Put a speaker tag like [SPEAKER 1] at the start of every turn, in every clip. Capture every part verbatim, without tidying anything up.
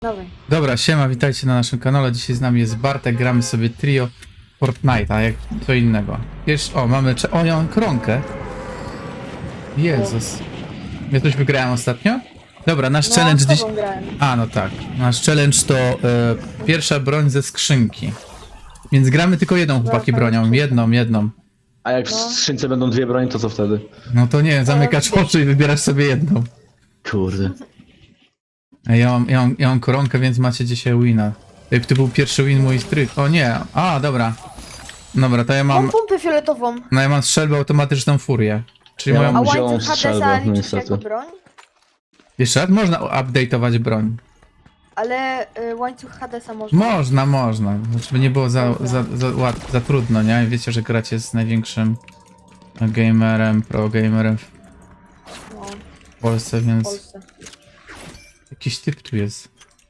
[SPEAKER 1] Dawaj.
[SPEAKER 2] Dobra, siema, witajcie na naszym kanale. Dzisiaj z nami jest Bartek, gramy sobie trio Fortnite'a, jak co innego. Jeszcze, o, mamy, o, ja mam koronkę. Jezus. Ja coś wygrałem ostatnio? Dobra, nasz
[SPEAKER 1] No,
[SPEAKER 2] challenge
[SPEAKER 1] z
[SPEAKER 2] dziś...
[SPEAKER 1] tobą grałem.
[SPEAKER 2] A, no tak. Nasz challenge to e, pierwsza broń ze skrzynki. Więc gramy tylko jedną, chłopaki, bronią. Jedną, jedną.
[SPEAKER 3] A jak w
[SPEAKER 1] No.
[SPEAKER 3] skrzynce będą dwie broń, to co wtedy?
[SPEAKER 2] No to nie, zamykasz oczy i wybierasz sobie jedną.
[SPEAKER 3] Kurde.
[SPEAKER 2] A Ja mam, ja mam, ja mam koronkę, więc macie dzisiaj wina. Jak to był pierwszy win mój stryk. O nie, a, dobra. Dobra, to ja
[SPEAKER 1] Mam
[SPEAKER 2] mam...
[SPEAKER 1] pompę fioletową.
[SPEAKER 2] No ja mam strzelbę automatyczną furię. Czyli
[SPEAKER 3] Ja
[SPEAKER 2] moją...
[SPEAKER 3] mam-
[SPEAKER 1] A
[SPEAKER 3] Wziąłem
[SPEAKER 1] łańcuch
[SPEAKER 3] strzelbę,
[SPEAKER 1] Hadesa
[SPEAKER 3] no
[SPEAKER 1] liczy się
[SPEAKER 3] niestety.
[SPEAKER 1] jako broń?
[SPEAKER 2] Jeszcze raz można update'ować broń.
[SPEAKER 1] Ale y, łańcuch Hadesa można.
[SPEAKER 2] Można, można. Żeby nie było za, za, za, łat, za trudno, nie? Wiecie, że gracie z największym gamerem, pro gamerem w
[SPEAKER 1] No,
[SPEAKER 2] Polsce,
[SPEAKER 1] w
[SPEAKER 2] więc...
[SPEAKER 1] Polsce.
[SPEAKER 2] Jakiś typ tu jest.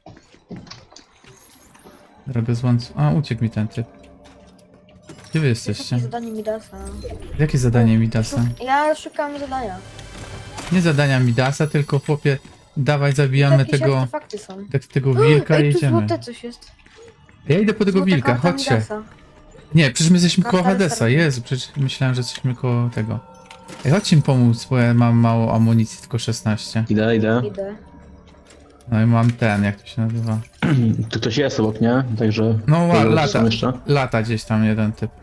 [SPEAKER 2] Droga z łańcuch... A, uciekł mi ten typ. Gdzie wy jesteście?
[SPEAKER 1] Jakie zadanie Midasa?
[SPEAKER 2] Jakie zadanie Midasa?
[SPEAKER 1] Ja szukam zadania.
[SPEAKER 2] Nie zadania Midasa, tylko chłopie, dawaj zabijamy
[SPEAKER 1] Jakieś
[SPEAKER 2] tego,
[SPEAKER 1] artefakty są.
[SPEAKER 2] tak, tego wilka i
[SPEAKER 1] Ej, tu
[SPEAKER 2] jedziemy.
[SPEAKER 1] złote coś jest.
[SPEAKER 2] Ja idę po tego
[SPEAKER 1] Złota
[SPEAKER 2] wilka,
[SPEAKER 1] karta
[SPEAKER 2] chodźcie.
[SPEAKER 1] Midasa.
[SPEAKER 2] Nie, przecież my jesteśmy
[SPEAKER 1] Karta
[SPEAKER 2] koło Hadesa,
[SPEAKER 1] restartu.
[SPEAKER 2] Jezu, przecież myślałem, że jesteśmy koło tego. Ej, chodźcie mi pomóc, bo ja mam mało amunicji, tylko szesnaście.
[SPEAKER 3] Idę, idę.
[SPEAKER 1] Idę.
[SPEAKER 2] No i mam ten, jak to się nazywa?
[SPEAKER 3] Tu ktoś jest obok, nie? Także...
[SPEAKER 2] No ła,
[SPEAKER 3] Może
[SPEAKER 2] lata,
[SPEAKER 3] są jeszcze?
[SPEAKER 2] lata gdzieś tam jeden typ.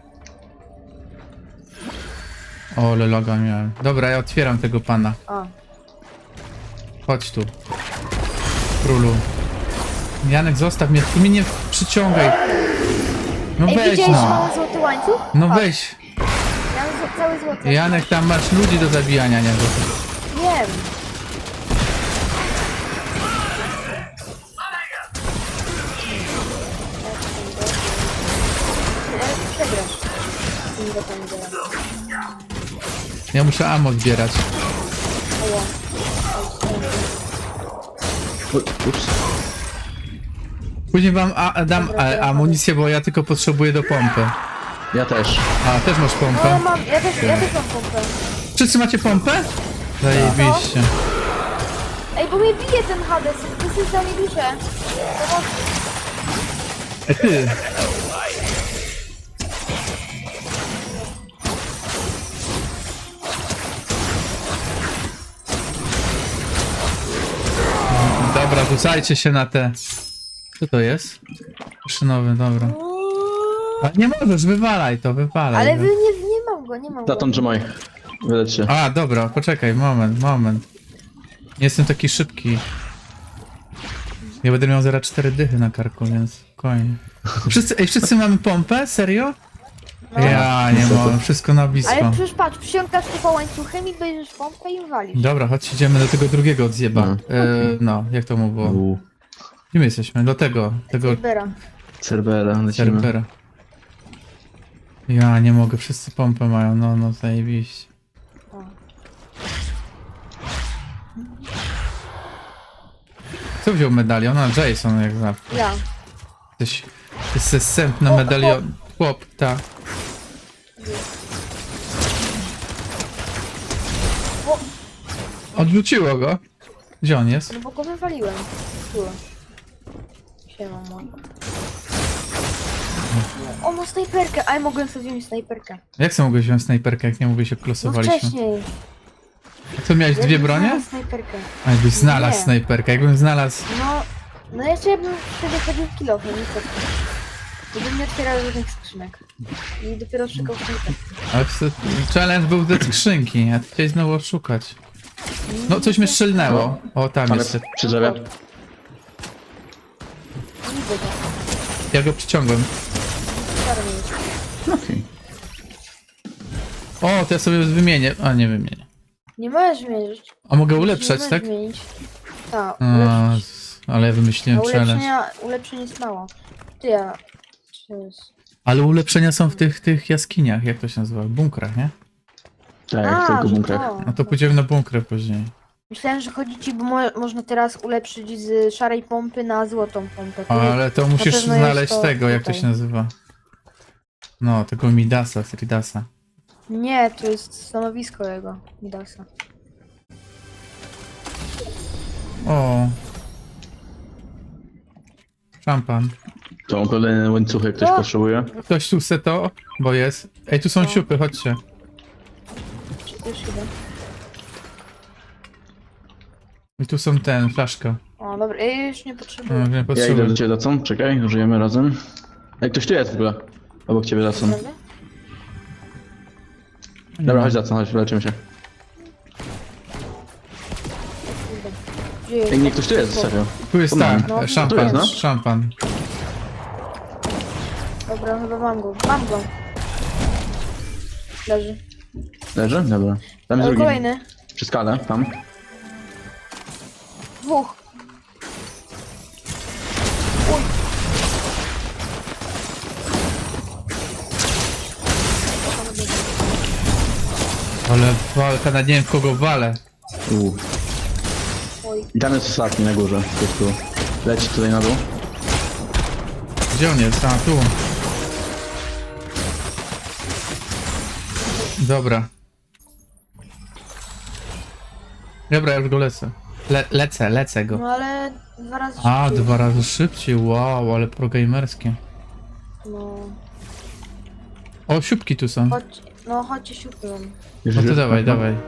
[SPEAKER 2] O, ale loga miałem. Dobra, ja otwieram tego pana.
[SPEAKER 1] A.
[SPEAKER 2] Chodź tu. Królu. Janek, zostaw mnie, ty mnie nie przyciągaj. No
[SPEAKER 1] Ej,
[SPEAKER 2] weź
[SPEAKER 1] widziałeś, że
[SPEAKER 2] no.
[SPEAKER 1] mam złoty łańcuch?
[SPEAKER 2] No
[SPEAKER 1] Patrz,
[SPEAKER 2] weź.
[SPEAKER 1] Ja mam zł- cały złoty.
[SPEAKER 2] Janek, tam masz ludzi do zabijania, nie?
[SPEAKER 1] Wiem. Ja przegrasz. Z tymi botami zaraz.
[SPEAKER 2] Ja muszę ammo zbierać.
[SPEAKER 1] Oła.
[SPEAKER 3] U- Ups.
[SPEAKER 2] Później wam a, dam a, amunicję, bo ja tylko potrzebuję do pompy.
[SPEAKER 3] Ja też.
[SPEAKER 2] A, też masz
[SPEAKER 1] No ja
[SPEAKER 2] pompę?
[SPEAKER 1] mam, ja też, ja też mam pompę.
[SPEAKER 2] Wszyscy macie pompę? Zajebiście.
[SPEAKER 1] Ej, bo mnie bije ten Hades, to jest za mnie duże. To
[SPEAKER 2] E ty. Dobra, rzucajcie się na te... Co to jest? Maszynowy, dobra. A nie możesz, wywalaj to, wywalaj.
[SPEAKER 1] Ale wy nie, nie mam go, nie mam go.
[SPEAKER 3] Zaton trzymaj. Wyleć się.
[SPEAKER 2] A, dobra, poczekaj, moment, moment. Nie jestem taki szybki. Ja będę miał zaraz cztery dychy na karku, więc spokojnie. Wszyscy, ej, wszyscy mamy pompę? Serio?
[SPEAKER 1] No.
[SPEAKER 2] Ja nie mam, wszystko na blisko.
[SPEAKER 1] Ale przecież patrz, przyciągasz tylko łańcuchem i bierzesz pompę i walisz.
[SPEAKER 2] Dobra, chodź, idziemy do tego drugiego odzjeba.
[SPEAKER 3] No.
[SPEAKER 2] E, no, jak to mu było?
[SPEAKER 3] U.
[SPEAKER 2] Gdzie my jesteśmy? Do tego, tego
[SPEAKER 1] Cybera.
[SPEAKER 3] Cerbera, lecimy.
[SPEAKER 2] serwera. Ja nie mogę, wszyscy pompę mają, no, no, zajebiście.
[SPEAKER 1] O.
[SPEAKER 2] Kto wziął medalion? A, Jason, jak zawsze.
[SPEAKER 1] Ja.
[SPEAKER 2] Jesteś, jesteś sęp
[SPEAKER 1] O,
[SPEAKER 2] medalion. Chłop, ta.
[SPEAKER 1] O,
[SPEAKER 2] Odwróciło go. Gdzie on jest?
[SPEAKER 1] no bo go wywaliłem. Tu. Siema, mo. O, ma snajperkę, a ja mogłem sobie wziąć snajperkę.
[SPEAKER 2] Jak sobie mogłeś wziąć snajperkę, jak nie mówię się
[SPEAKER 1] No
[SPEAKER 2] klosowaliśmy?
[SPEAKER 1] wcześniej.
[SPEAKER 2] A co, miałeś dwie
[SPEAKER 1] Jakbym
[SPEAKER 2] bronie?
[SPEAKER 1] znalazł snajperkę.
[SPEAKER 2] A jakbyś znalazł
[SPEAKER 1] Nie.
[SPEAKER 2] snajperkę, jakbym znalazł...
[SPEAKER 1] No, no jeszcze ja bym wtedy chodził w kilofie, niestety. I bym nie otwierał żadnych skrzynek. I dopiero szukał snajperki.
[SPEAKER 2] Ale w- challenge był ze skrzynki, a ty chciałeś znowu szukać. No, coś mnie strzelnęło. O, tam
[SPEAKER 3] Tam
[SPEAKER 2] jest.
[SPEAKER 3] jest przy drzewie.
[SPEAKER 1] Widzę go.
[SPEAKER 2] Ja go przyciągłem.
[SPEAKER 1] Czarny jest.
[SPEAKER 3] Okej.
[SPEAKER 2] O, to ja sobie wymienię. A, nie wymienię.
[SPEAKER 1] Nie możesz zmienić.
[SPEAKER 2] A mogę
[SPEAKER 1] Nie
[SPEAKER 2] ulepszać,
[SPEAKER 1] możesz
[SPEAKER 2] tak?
[SPEAKER 1] zmienić. Tak,
[SPEAKER 2] A,
[SPEAKER 1] ulepszyć.
[SPEAKER 2] z- ale ja
[SPEAKER 1] A
[SPEAKER 2] wymyśliłem challenge.
[SPEAKER 1] ulepszenia, ulepszeń jest mało. Ty ja... czy jest-
[SPEAKER 2] Ale ulepszenia są w tych, tych jaskiniach, jak to się nazywa? Bunkrach, nie?
[SPEAKER 3] Tak,
[SPEAKER 1] A,
[SPEAKER 3] tylko
[SPEAKER 1] że
[SPEAKER 3] bunkrach.
[SPEAKER 1] to.
[SPEAKER 2] No to pójdziemy na bunkry później.
[SPEAKER 1] Myślałem, że chodzi ci, bo mo można teraz ulepszyć z szarej pompy na złotą pompę. Ty-
[SPEAKER 2] Ale to musisz
[SPEAKER 1] pewno jest
[SPEAKER 2] znaleźć
[SPEAKER 1] to
[SPEAKER 2] tego, jak to
[SPEAKER 1] tutaj.
[SPEAKER 2] się nazywa. No, tego Midasa, Tridasa.
[SPEAKER 1] Nie, to jest stanowisko jego, Midasa.
[SPEAKER 2] O, Szampan.
[SPEAKER 3] To pewne łańcuchy ktoś
[SPEAKER 1] No.
[SPEAKER 3] potrzebuje.
[SPEAKER 2] Ktoś tu chce to? Bo jest. Ej, tu są
[SPEAKER 1] No.
[SPEAKER 2] siupy, chodźcie.
[SPEAKER 1] Już idę.
[SPEAKER 2] I tu są ten, flaszka.
[SPEAKER 1] O, dobra, ja już nie
[SPEAKER 2] No,
[SPEAKER 1] potrzebuję.
[SPEAKER 2] nie
[SPEAKER 3] Ja idę
[SPEAKER 2] potrzebuję.
[SPEAKER 3] do ciebie lecą, czekaj, żyjemy razem. Ej, ktoś tu jest w ogóle. Obok ciebie lecą.
[SPEAKER 1] Prawda?
[SPEAKER 3] Dobra, chodź lecą, chodź, leczymy się.
[SPEAKER 1] Kurde. Gdzie jest?
[SPEAKER 3] Ej, nie, ktoś tu jest, serio.
[SPEAKER 2] Tu jest
[SPEAKER 3] Tu mam.
[SPEAKER 2] tak,
[SPEAKER 1] No,
[SPEAKER 2] e, szampan,
[SPEAKER 3] tu jest, no.
[SPEAKER 2] szampan.
[SPEAKER 1] Dobra, chyba mam go. Mam go. Leży.
[SPEAKER 3] Leży? Dobra. Tam jest
[SPEAKER 1] Ale
[SPEAKER 3] drugi.
[SPEAKER 1] kolejny.
[SPEAKER 3] Przy skale, tam.
[SPEAKER 1] Dwóch. Uj.
[SPEAKER 2] Ale walka, na nie wiem kogo walę.
[SPEAKER 3] Uuu.
[SPEAKER 1] Oj.
[SPEAKER 3] I tam jest ostatni na górze. Ktoś tu leci tutaj na dół.
[SPEAKER 2] Gdzie on jest? A, tu. Dobra. Dobra, ja już go lecę. Le lecę, lecę go.
[SPEAKER 1] No ale dwa razy
[SPEAKER 2] A,
[SPEAKER 1] szybciej.
[SPEAKER 2] dwa razy szybciej, wow, ale progamerskie.
[SPEAKER 1] No.
[SPEAKER 2] O, siupki tu są.
[SPEAKER 1] Chodź, no chodźcie siupy mam.
[SPEAKER 3] Już,
[SPEAKER 2] No to
[SPEAKER 3] już?
[SPEAKER 2] dawaj,
[SPEAKER 3] Aha.
[SPEAKER 2] dawaj.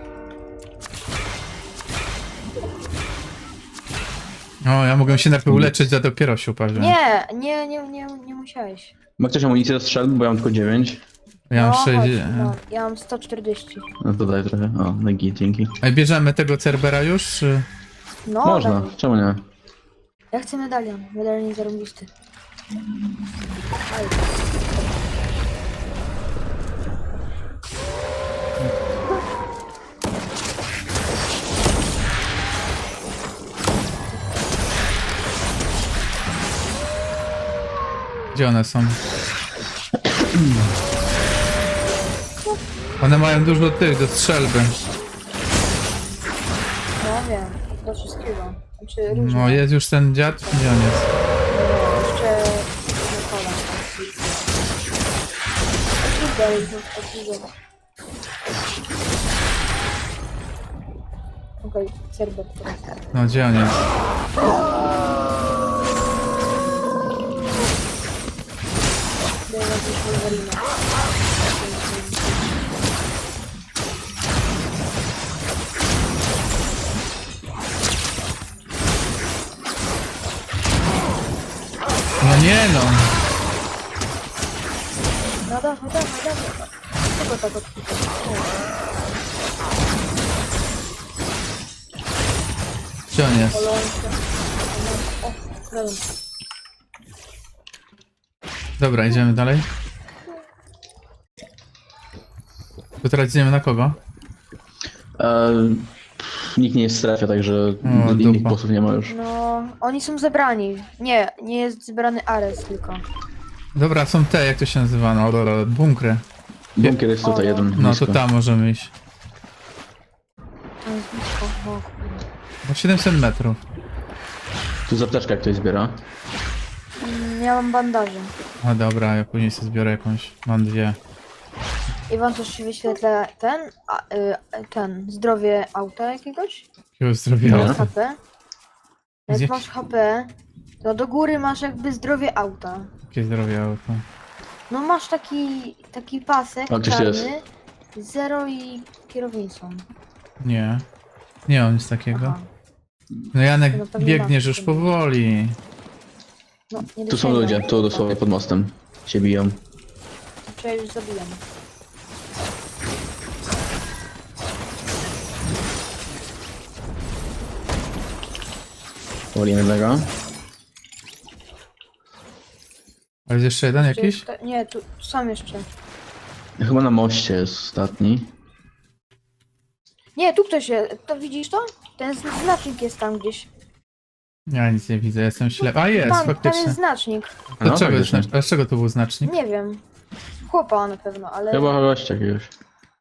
[SPEAKER 2] O, ja mogę się najpierw uleczyć, a dopiero siupa wziąć.
[SPEAKER 1] Nie, nie, nie, nie, nie musiałeś.
[SPEAKER 3] Ma ktoś amunicję do strzelb, bo ja mam tylko dziewięć.
[SPEAKER 2] Ja mam
[SPEAKER 1] no,
[SPEAKER 2] sześć.
[SPEAKER 1] chodź, no, ja mam sto czterdzieści.
[SPEAKER 3] No to daj trochę. O, no git, dzięki.
[SPEAKER 2] Ej, bierzemy tego Cerbera już? Czy...
[SPEAKER 1] No,
[SPEAKER 3] Można,
[SPEAKER 1] dawaj.
[SPEAKER 3] czemu nie?
[SPEAKER 1] Ja chcę medalion. Medalion zarąbisty. Aj.
[SPEAKER 2] Gdzie one są? One mają dużo tych do strzelby.
[SPEAKER 1] No wiem, do wszystkiego. Znaczy różne.
[SPEAKER 2] No, jest już ten dziad? Gdzie on jest?
[SPEAKER 1] No, jeszcze Nikola. Dalej, no, okej, Cerbet teraz.
[SPEAKER 2] No, gdzie on jest?
[SPEAKER 1] Daję jakieś Wolverina.
[SPEAKER 2] No nie no.
[SPEAKER 1] No dawaj, dawaj, dawaj. Czego tak odpuszczasz?
[SPEAKER 2] Gdzie on jest?
[SPEAKER 1] Polonka. O, dobra.
[SPEAKER 2] Dobra, idziemy dalej. To teraz idziemy na kogo?
[SPEAKER 3] E, pff, nikt nie jest w strefie, także
[SPEAKER 2] O,
[SPEAKER 3] innych
[SPEAKER 2] dupa.
[SPEAKER 3] bossów nie ma już.
[SPEAKER 1] No, oni są zebrani. Nie, nie jest zebrany Ares tylko.
[SPEAKER 2] Dobra, są te, jak to się nazywa? No, dobra, bunkry.
[SPEAKER 3] Bunkier jest tutaj
[SPEAKER 1] O,
[SPEAKER 3] jeden.
[SPEAKER 2] No,
[SPEAKER 3] blisko.
[SPEAKER 2] to tam możemy iść.
[SPEAKER 1] To jest blisko. O, kurde.
[SPEAKER 2] No, siedemset metrów.
[SPEAKER 3] Tu zapteczka jak ktoś zbiera.
[SPEAKER 1] Mm, Ja mam bandaże.
[SPEAKER 2] A dobra, ja później sobie zbiorę jakąś. Mam dwie.
[SPEAKER 1] I wam też się wyświetla ten, a, y, ten, zdrowie auta jakiegoś?
[SPEAKER 2] Jakiego zdrowia.
[SPEAKER 3] Nie.
[SPEAKER 1] H P. Jak
[SPEAKER 2] Gdzie?
[SPEAKER 1] masz H P, to do góry masz jakby zdrowie auta.
[SPEAKER 2] Jakie zdrowie auto.
[SPEAKER 1] No masz taki, taki pasek
[SPEAKER 3] A, gdzieś
[SPEAKER 1] czarny, zero i kierownicą.
[SPEAKER 2] Nie. Nie mam nic takiego.
[SPEAKER 1] Aha.
[SPEAKER 2] No Janek,
[SPEAKER 1] No pewnie
[SPEAKER 2] biegniesz
[SPEAKER 1] masz.
[SPEAKER 2] już powoli.
[SPEAKER 1] No, nie
[SPEAKER 3] Tu są
[SPEAKER 1] dosięgam.
[SPEAKER 3] ludzie, tu dosłownie pod mostem. Się biją.
[SPEAKER 1] Czy ja już zabijam.
[SPEAKER 3] Powolimy jednego.
[SPEAKER 2] A jest jeszcze jeden
[SPEAKER 1] Czy
[SPEAKER 2] jakiś?
[SPEAKER 1] to- Nie, tu tu są jeszcze.
[SPEAKER 3] Chyba na moście jest ostatni.
[SPEAKER 1] Nie, tu ktoś jest. To widzisz to? Ten zn- znacznik jest tam gdzieś.
[SPEAKER 2] Ja nic nie widzę, jestem ślepy. A jest,
[SPEAKER 1] Tam, tam
[SPEAKER 2] faktycznie.
[SPEAKER 1] jest znacznik.
[SPEAKER 2] To
[SPEAKER 3] No,
[SPEAKER 2] czego, jest,
[SPEAKER 3] faktycznie.
[SPEAKER 2] znacz- a z czego to był znacznik?
[SPEAKER 1] Nie wiem. Chłopa na pewno, ale
[SPEAKER 3] Chyba gościa jakiegoś.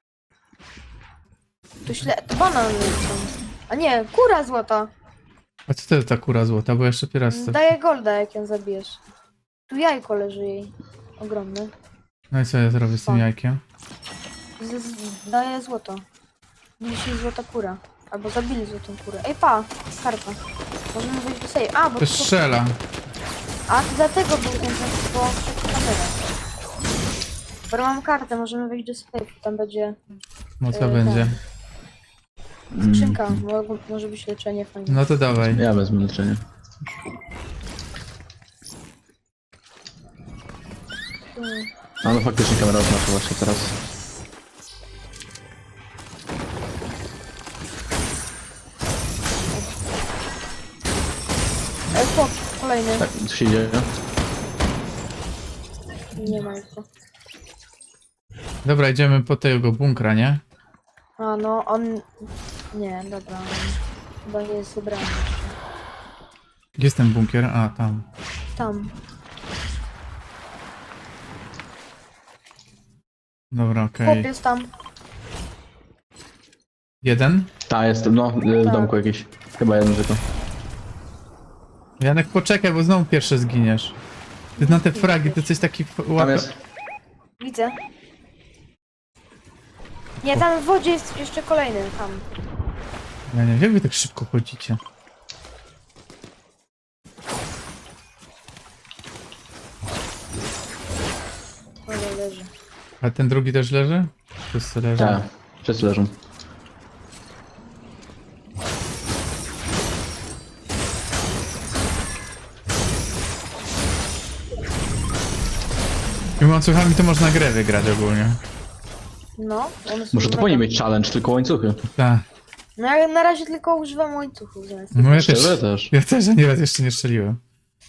[SPEAKER 1] to śle... To banan jest tam. A nie, kura złota.
[SPEAKER 2] A co to jest ta kura złota? Bo jeszcze pierwszy raz to...
[SPEAKER 1] Daje golda, jak ją zabijesz. Tu jajko leży jej. Ogromne.
[SPEAKER 2] No i co ja zrobię z tym
[SPEAKER 1] O.
[SPEAKER 2] jajkiem?
[SPEAKER 1] Z, z, daje złoto. Dzisiaj złota kura. Albo zabili złotą kurę. Ej pa, skarpa. Możemy wejść do sejfu. A, bo
[SPEAKER 2] To
[SPEAKER 1] tu-
[SPEAKER 2] strzela.
[SPEAKER 1] A, to dlatego był ten czas po kamerę. Bo mam kartę, możemy wejść do sklepu, tam będzie
[SPEAKER 2] No co
[SPEAKER 1] Yy,
[SPEAKER 2] będzie?
[SPEAKER 1] skrzynka, mo- może być leczenie fajne.
[SPEAKER 2] No to dawaj.
[SPEAKER 3] Ja wezmę leczenie.
[SPEAKER 1] Hmm.
[SPEAKER 3] A no faktycznie kamera oznacza właśnie teraz.
[SPEAKER 1] E, chłop, kolejny.
[SPEAKER 3] Tak, co się dzieje?
[SPEAKER 1] Nie ma go.
[SPEAKER 2] Dobra, idziemy po tego bunkra, nie?
[SPEAKER 1] A no, on... Nie, dobra, on chyba nie jest ubrany jeszcze.
[SPEAKER 2] Gdzie jest ten bunkier? A, tam.
[SPEAKER 1] Tam.
[SPEAKER 2] Dobra, okej.
[SPEAKER 1] Chłop jest tam.
[SPEAKER 2] Jeden?
[SPEAKER 3] Ta, jestem, no, w
[SPEAKER 1] Tak.
[SPEAKER 3] domku jakiś. Chyba jeden tylko.
[SPEAKER 2] Janek, poczekaj, bo znowu pierwszy zginiesz. Ty na te fragi, ty coś taki
[SPEAKER 3] Tam
[SPEAKER 2] łapie...
[SPEAKER 3] jest.
[SPEAKER 1] Widzę. Nie, tam w wodzie jest jeszcze kolejny, tam.
[SPEAKER 2] Ja nie wiem, jak wy tak szybko chodzicie?
[SPEAKER 1] Ale leży.
[SPEAKER 2] A ten drugi też leży? Wszyscy leżą.
[SPEAKER 3] Tak, wszyscy leżą.
[SPEAKER 2] Tymi łańcuchami to można grę wygrać ogólnie.
[SPEAKER 1] No, one są
[SPEAKER 3] Muszę to
[SPEAKER 1] mega-
[SPEAKER 3] powinien mieć challenge, tylko łańcuchy.
[SPEAKER 2] Tak.
[SPEAKER 1] No ja na razie tylko używam łańcuchów zamiast.
[SPEAKER 2] No ja też.
[SPEAKER 3] Szczerze też.
[SPEAKER 2] Ja też nieraz jeszcze nie strzeliłem.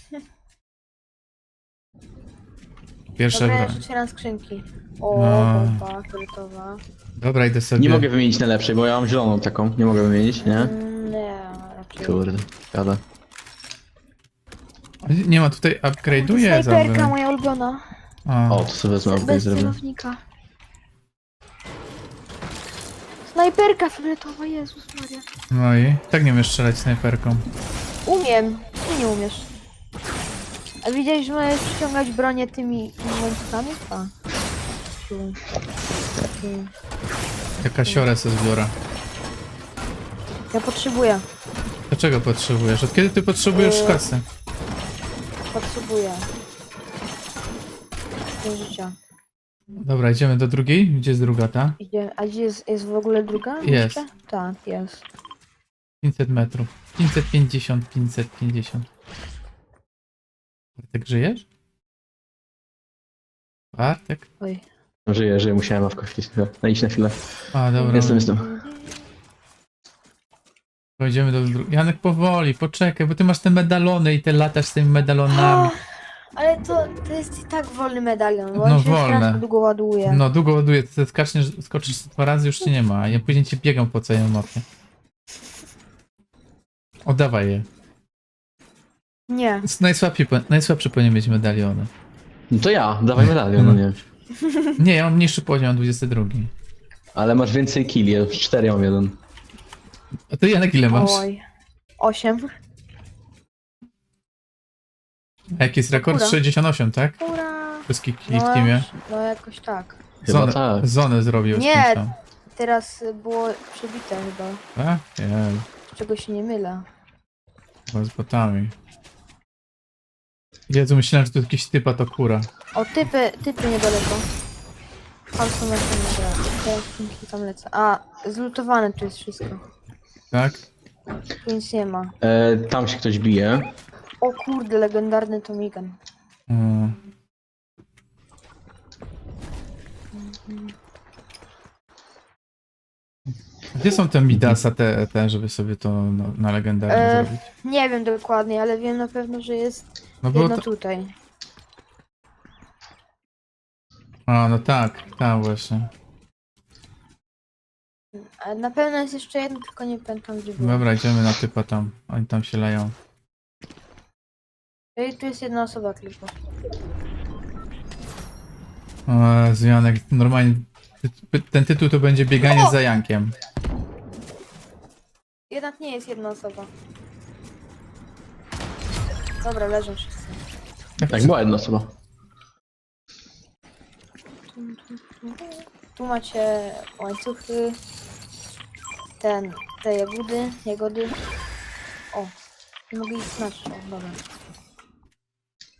[SPEAKER 2] Pierwsza
[SPEAKER 1] Dobra, ja już
[SPEAKER 2] broń.
[SPEAKER 1] otwieram skrzynki. O,
[SPEAKER 2] No.
[SPEAKER 1] bomba fioletowa.
[SPEAKER 2] Dobra, idę sobie.
[SPEAKER 3] Nie mogę wymienić najlepszej, bo ja mam zieloną taką. Nie mogę wymienić, nie?
[SPEAKER 1] Mm, nie, raczej.
[SPEAKER 3] Kurde, gada.
[SPEAKER 2] Nie ma tutaj upgrade'uje za
[SPEAKER 1] Snajperka moja ulubiona.
[SPEAKER 2] A,
[SPEAKER 3] O, to sobie wezmę, upgrade
[SPEAKER 1] Bez
[SPEAKER 3] zrobię.
[SPEAKER 1] celownika. Snajperka fioletowa, Jezus Maria.
[SPEAKER 2] no i tak nie umiesz strzelać snajperką.
[SPEAKER 1] Umiem, ty nie umiesz. A widziałeś, że możesz przyciągać bronię tymi tymi łańcuchami? A. Tu. Tu.
[SPEAKER 2] Jaka siorę sobie zbiorę.
[SPEAKER 1] Ja potrzebuję,
[SPEAKER 2] Dlaczego potrzebujesz? Od kiedy ty potrzebujesz
[SPEAKER 1] Yy.
[SPEAKER 2] kasy?
[SPEAKER 1] potrzebuję. Do życia.
[SPEAKER 2] Dobra, idziemy do drugiej? Gdzie jest druga ta?
[SPEAKER 1] Idzie, a gdzie jest, jest w ogóle druga?
[SPEAKER 2] Jest.
[SPEAKER 1] Jeszcze? Tak, jest.
[SPEAKER 2] pięćset metrów. pięćset pięćdziesiąt, pięćset pięćdziesiąt. Bartek, żyjesz? Bartek?
[SPEAKER 1] Oj.
[SPEAKER 3] Żyję, żyję, musiałem awko chwilę. No idź na chwilę.
[SPEAKER 2] A, dobra.
[SPEAKER 3] Jestem, jestem.
[SPEAKER 2] Pojedziemy do drugiej. Janek, powoli, poczekaj, bo ty masz te medalony i te latasz z tymi medalonami.
[SPEAKER 1] Ale to, to jest i tak wolny medalion, bo
[SPEAKER 2] No
[SPEAKER 1] on się
[SPEAKER 2] wolne.
[SPEAKER 1] strasznie długo ładuje.
[SPEAKER 2] No, długo ładuje, ty skaczniesz, skoczysz dwa razy, już cię nie ma, a ja później cię biegam po całej mapie. Oddawaj je.
[SPEAKER 1] Nie.
[SPEAKER 2] Najsłabszy, najsłabszy powinien mieć medaliony.
[SPEAKER 3] No to ja, dawaj medalion, no nie.
[SPEAKER 2] Nie, ja mam mniejszy poziom, dwudziesty drugi.
[SPEAKER 3] Ale masz więcej killi, ja już cztery mam jeden.
[SPEAKER 2] A ty, Janek, ile masz?
[SPEAKER 1] Oj. Osiem.
[SPEAKER 2] A jaki jest rekord?
[SPEAKER 1] Dobra.
[SPEAKER 2] sześćdziesiąt osiem, tak?
[SPEAKER 1] Ura.
[SPEAKER 2] Wszystkich kili
[SPEAKER 1] No,
[SPEAKER 2] w teamie.
[SPEAKER 1] no jakoś tak.
[SPEAKER 3] Chyba
[SPEAKER 2] Zonę,
[SPEAKER 3] tak.
[SPEAKER 2] zonę zrobił z
[SPEAKER 1] Nie.
[SPEAKER 2] kimś tam.
[SPEAKER 1] Teraz było przebite chyba.
[SPEAKER 2] Tak? Nie,
[SPEAKER 1] Z czego się nie mylę.
[SPEAKER 2] chyba z botami. Jezu, myślałem, że to jakiś typa to kura.
[SPEAKER 1] O, typy, typy niedaleko. Tam są nasze nagrody. Teraz skrzynki tam lecę. A, zlutowane tu jest wszystko.
[SPEAKER 2] Tak?
[SPEAKER 1] Tu nic nie ma.
[SPEAKER 3] E, tam się ktoś bije.
[SPEAKER 1] O kurde, legendarny Tomigan.
[SPEAKER 2] Mm. Gdzie są te Midasa, te, te żeby sobie to no, na legendarnie
[SPEAKER 1] E,
[SPEAKER 2] zrobić?
[SPEAKER 1] Nie wiem dokładnie, ale wiem na pewno, że jest
[SPEAKER 2] No było
[SPEAKER 1] jedno
[SPEAKER 2] to...
[SPEAKER 1] tutaj.
[SPEAKER 2] A, no tak, tak właśnie.
[SPEAKER 1] A na pewno jest jeszcze jedno, tylko nie pamiętam gdzie było.
[SPEAKER 2] Dobra, idziemy na typa tam. Oni tam się leją.
[SPEAKER 1] I tu jest jedna osoba tylko.
[SPEAKER 2] O, Jezu, Janek, normalnie ty- ten tytuł to będzie bieganie za Jankiem.
[SPEAKER 1] Jednak nie jest jedna osoba. Dobra, leżą wszyscy.
[SPEAKER 3] Tak, była jedna osoba.
[SPEAKER 1] Tu macie łańcuchy. Ten, te jagody, jagody. O, nie mogę ich znaczyć, o, dobra.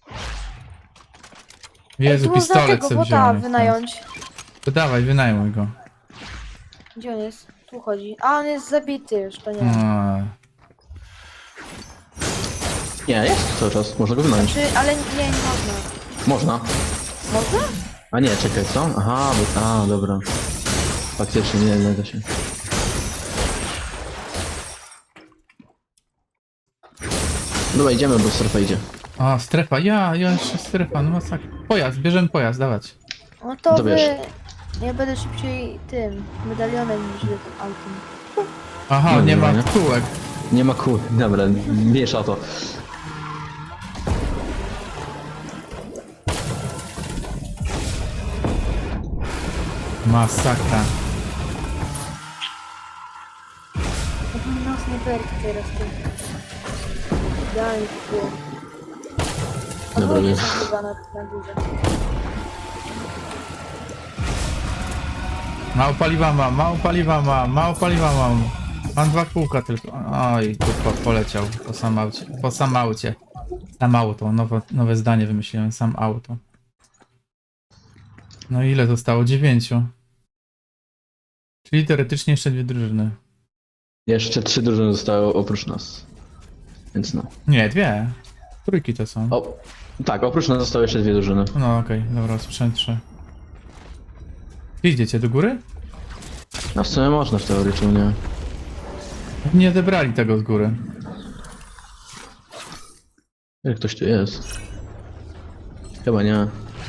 [SPEAKER 2] Jezu,
[SPEAKER 1] tu można
[SPEAKER 2] pistolet
[SPEAKER 1] tego
[SPEAKER 2] sobie
[SPEAKER 1] bota
[SPEAKER 2] wziąłem.
[SPEAKER 1] wynająć.
[SPEAKER 2] To dawaj, wynajmuj go.
[SPEAKER 1] Gdzie on jest? Tu chodzi. A, on jest zabity już, to nie.
[SPEAKER 2] A,
[SPEAKER 3] Nie, jest cały czas, można go wynająć.
[SPEAKER 1] Czy, ale nie, nie można.
[SPEAKER 3] Można.
[SPEAKER 1] Można?
[SPEAKER 3] A nie, czekaj, co? Aha, bo... A, dobra. Faktycznie, nie, nie da się. Dobra, idziemy, bo strefa idzie.
[SPEAKER 2] a, strefa, ja, ja jeszcze strefa, no masakra. Pojazd, bierzemy pojazd, dawać.
[SPEAKER 1] No to
[SPEAKER 3] To
[SPEAKER 1] wy...
[SPEAKER 3] wiesz.
[SPEAKER 1] Ja będę szybciej tym, medalionem niż wy tym autem.
[SPEAKER 2] Aha,
[SPEAKER 3] No,
[SPEAKER 2] nie
[SPEAKER 3] dobra,
[SPEAKER 2] ma
[SPEAKER 3] nie?
[SPEAKER 2] kółek.
[SPEAKER 3] Nie ma kół. Dobra, miesza to.
[SPEAKER 2] Masakra.
[SPEAKER 1] No to nas nie perki teraz ty. Idealnie to było.
[SPEAKER 3] Dobra,
[SPEAKER 1] Odwrócić
[SPEAKER 3] jest.
[SPEAKER 1] się chyba na, na górze.
[SPEAKER 2] Mało paliwa mam, mało paliwa mam, mało paliwa mam. Mam dwa kółka tylko. Oj, tu po, poleciał po sam aucie. Po sam aucie. Sam auto, nowe, nowe zdanie wymyśliłem, sam auto. No ile zostało? Dziewięciu. Czyli teoretycznie jeszcze dwie drużyny.
[SPEAKER 3] Jeszcze trzy drużyny zostały oprócz nas. Więc no.
[SPEAKER 2] Nie, dwie. Trójki to są.
[SPEAKER 3] O, tak, oprócz nas zostały jeszcze dwie drużyny.
[SPEAKER 2] No okej, dobra, słyszałem trzy. Gdzie idziecie, do góry?
[SPEAKER 3] No w sumie można w teorii, czemu nie?
[SPEAKER 2] Nie odebrali tego z góry.
[SPEAKER 3] Jak ktoś tu jest? Chyba nie.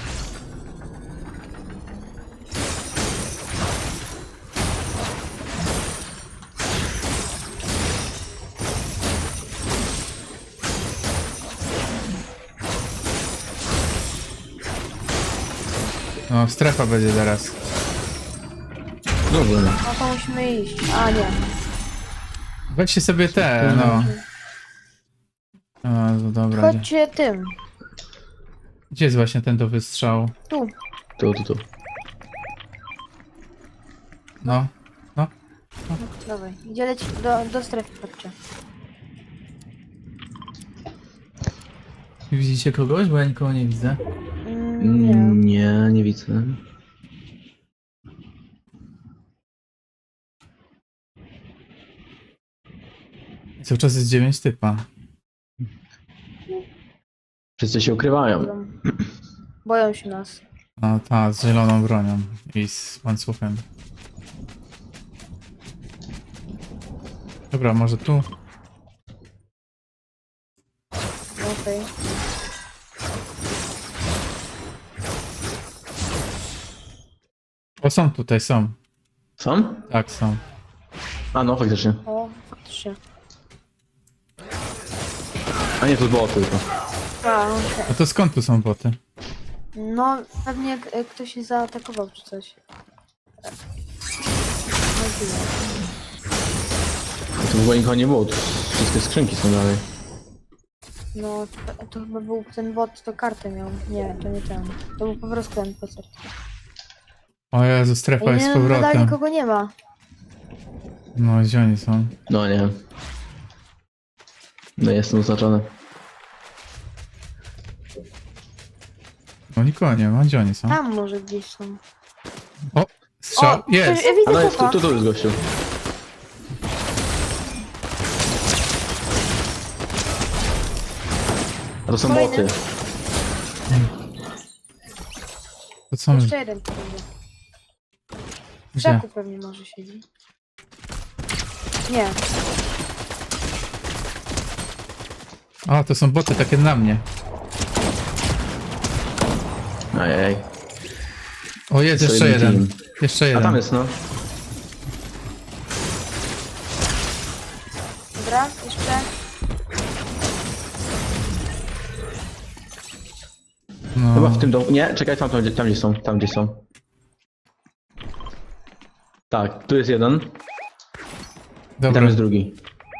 [SPEAKER 2] No, strefa będzie zaraz.
[SPEAKER 3] Dobrze.
[SPEAKER 1] No to musimy iść. A nie.
[SPEAKER 2] Weźcie sobie te, no. O, no dobra. Gdzie,
[SPEAKER 1] Chodźcie tym.
[SPEAKER 2] gdzie jest właśnie ten do wystrzału?
[SPEAKER 1] Tu.
[SPEAKER 3] Tu, tu, tu.
[SPEAKER 2] No, no.
[SPEAKER 1] No, dawaj. Gdzie leci? Do, do strefy chodźcie.
[SPEAKER 2] Widzicie kogoś? Bo ja nikogo nie widzę.
[SPEAKER 1] Mm, nie.
[SPEAKER 3] Mm, Nie, nie widzę.
[SPEAKER 2] Cały czas jest dziewięć typa.
[SPEAKER 3] Wszyscy się ukrywają.
[SPEAKER 1] Boją. Boją się nas.
[SPEAKER 2] No ta, z zieloną bronią i z łańcuchem. Dobra, może tu?
[SPEAKER 1] No, okej.
[SPEAKER 2] O, są tutaj, są.
[SPEAKER 3] Są?
[SPEAKER 2] Tak, są.
[SPEAKER 3] A no, faktycznie.
[SPEAKER 1] O, faktycznie.
[SPEAKER 3] A nie, tu było tylko.
[SPEAKER 1] A, okej.
[SPEAKER 2] A to skąd tu są boty?
[SPEAKER 1] No, pewnie k- ktoś się zaatakował czy coś. No, tyle.
[SPEAKER 3] Tu w ogóle nikogo nie było, tu wszystkie skrzynki są dalej.
[SPEAKER 1] No, to, to chyba był ten bot, to kartę miał. Nie, to nie ten. To był po prostu ten koncert.
[SPEAKER 2] O Jezu, strefa jest z
[SPEAKER 1] Nie, nadal
[SPEAKER 2] powrotem.
[SPEAKER 1] nikogo nie ma.
[SPEAKER 2] No, gdzie oni są?
[SPEAKER 3] No nie. No jestem oznaczony.
[SPEAKER 2] No nikogo nie ma, gdzie oni są?
[SPEAKER 1] Tam może gdzieś są.
[SPEAKER 2] O, strzał,
[SPEAKER 1] O,
[SPEAKER 2] jest!
[SPEAKER 1] ktoś- ja
[SPEAKER 3] A
[SPEAKER 1] widzę
[SPEAKER 3] no jest, tu,
[SPEAKER 1] chłopa.
[SPEAKER 3] tu, tu jest gościu. A to są
[SPEAKER 1] Kolejny.
[SPEAKER 3] boty.
[SPEAKER 2] To co my...
[SPEAKER 1] Jeszcze jeden tu będzie. W
[SPEAKER 2] Gdzie?
[SPEAKER 1] krzaku pewnie może siedzi. Nie.
[SPEAKER 2] A, to są boty takie na mnie.
[SPEAKER 3] Ajaj.
[SPEAKER 2] O, jest
[SPEAKER 3] To
[SPEAKER 2] jeszcze
[SPEAKER 3] jeden
[SPEAKER 2] jeden.
[SPEAKER 3] team.
[SPEAKER 2] Jeszcze
[SPEAKER 3] A
[SPEAKER 2] jeden.
[SPEAKER 3] tam jest, no.
[SPEAKER 1] Dobra, jeszcze.
[SPEAKER 2] No.
[SPEAKER 3] Chyba w tym domu. Nie, czekaj, tam, tam, gdzie- tam gdzie są, tam gdzie są. Tak, tu jest jeden. I
[SPEAKER 2] Dobra.
[SPEAKER 3] tam jest drugi.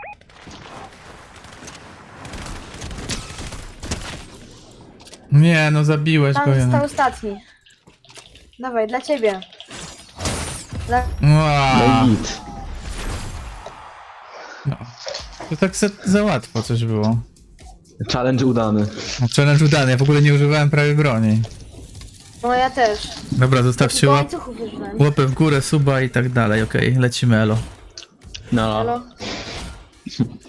[SPEAKER 2] Nie, no zabiłeś
[SPEAKER 1] Tam
[SPEAKER 2] go
[SPEAKER 1] został
[SPEAKER 2] jednak.
[SPEAKER 1] ostatni. Dawaj, dla ciebie. Dla...
[SPEAKER 2] Ua,
[SPEAKER 3] No i git.
[SPEAKER 2] no. To tak za, za łatwo coś było.
[SPEAKER 3] Challenge udany.
[SPEAKER 2] No, challenge udany, ja w ogóle nie używałem prawie broni.
[SPEAKER 1] No ja też.
[SPEAKER 2] Dobra, zostawcie
[SPEAKER 1] Do
[SPEAKER 2] łap,
[SPEAKER 1] łańcuchów używałem.
[SPEAKER 2] łapę w górę, suba i tak dalej, okej, lecimy elo.
[SPEAKER 3] No,
[SPEAKER 1] Halo?